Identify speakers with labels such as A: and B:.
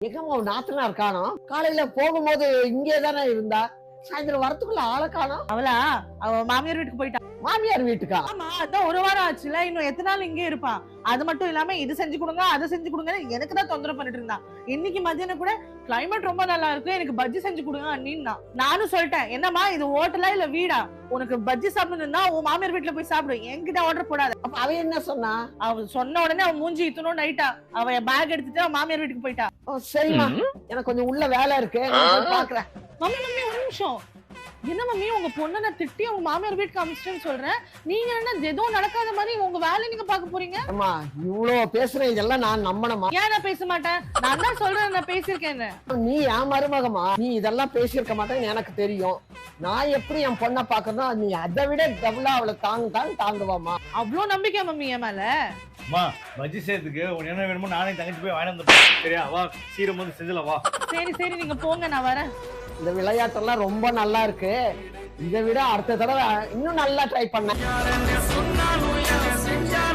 A: எங்கம்மா உன் நாத்தனார் காணோம்? காலையில போகும்போது இங்கே தானே இருந்தா, சாயந்தரம் வரத்துக்குள்ள ஆளை காணோம்.
B: அவளா அவ மாமியார் வீட்டுக்கு போயிட்டா.
A: மாமியார் வீட்டுக்கா?
B: ஆமா, அதான் ஒரு வாரம் ஆச்சுல, இன்னும் எத்தனை நாள் இங்கே இருப்பா? அது மட்டும் இல்லாம இது செஞ்சு கொடுங்க அதை செஞ்சு கொடுங்க எனக்கு தான் தொந்தரவு பண்ணிட்டு இருந்தான். இன்னைக்கு மத்தியானம் கூட கிளைமேட் ரொம்ப நல்லா இருக்கு, எனக்கு பஜ்ஜி செஞ்சு கொடுங்க அண்ணின்னா. நானும் சொல்லிட்டேன், என்னம்மா இது ஹோட்டலா இல்ல வீடா? உனக்கு பஜ்ஜி சாப்பிடணும்னா உன் மாமியார் வீட்டுல போய் சாப்பிடு, என்கிட்ட ஆர்டர் போடாத.
A: அப்ப அவ என்ன சொன்னா?
B: அவ சொன்ன உடனே அவன் மூஞ்சி இத்தணும் நைட்டா அவ பேக் எடுத்துட்டு அவன் மாமியார் வீட்டுக்கு போயிட்டா.
A: சரிம்மா, எனக்கு கொஞ்சம் உள்ள வேலை இருக்கு, நான் போய் பாக்குறேன்.
B: மம்மி மம்மி ஒரு நிமிஷம். என்ன மம்மி, உங்க பொண்ணை நான் திட்டி உங்க மாமியார் வீட்டுக்கு அமிச்சிட்டேன்னு சொல்றேன், நீங்க என்ன எதுவும் நடக்காத மாதிரி உங்க வேலையை நீங்க பாக்க போறீங்க?
A: அம்மா இவ்வளவு பேசுறேன், இதெல்லாம் நான் நம்பணுமா?
B: ஏன் நான் பேச மாட்டேன்? நான் தான் சொல்றேன், நான் பேசியிருக்கேன்.
A: நீ என் மருமகமா, நீ இதெல்லாம் பேசியிருக்க மாட்டேன்னு எனக்கு தெரியும். நான் எப்படி என் பொண்ணை பாக்கணும், நீ அதை விட டபுளா அவளை தாங்குவாமா?
B: அவ்வளவு நம்பிக்கை மம்மி என் மேல?
C: அம்மா பஜ்ஜி செய்யறதுக்கு உனக்கு என்ன வேணுமோ நானே தங்கச்சி போய் வாங்கி வந்துட்டேன். சரியா, வா சீரம் வந்து செஞ்சல வா.
B: சரி சரி, நீங்க போங்க, நான் வரேன்.
A: இந்த விளையாட்டெல்லாம் ரொம்ப நல்லா இருக்கு, இதை விட அடுத்த தடவை இன்னும் நல்லா ட்ரை பண்ண.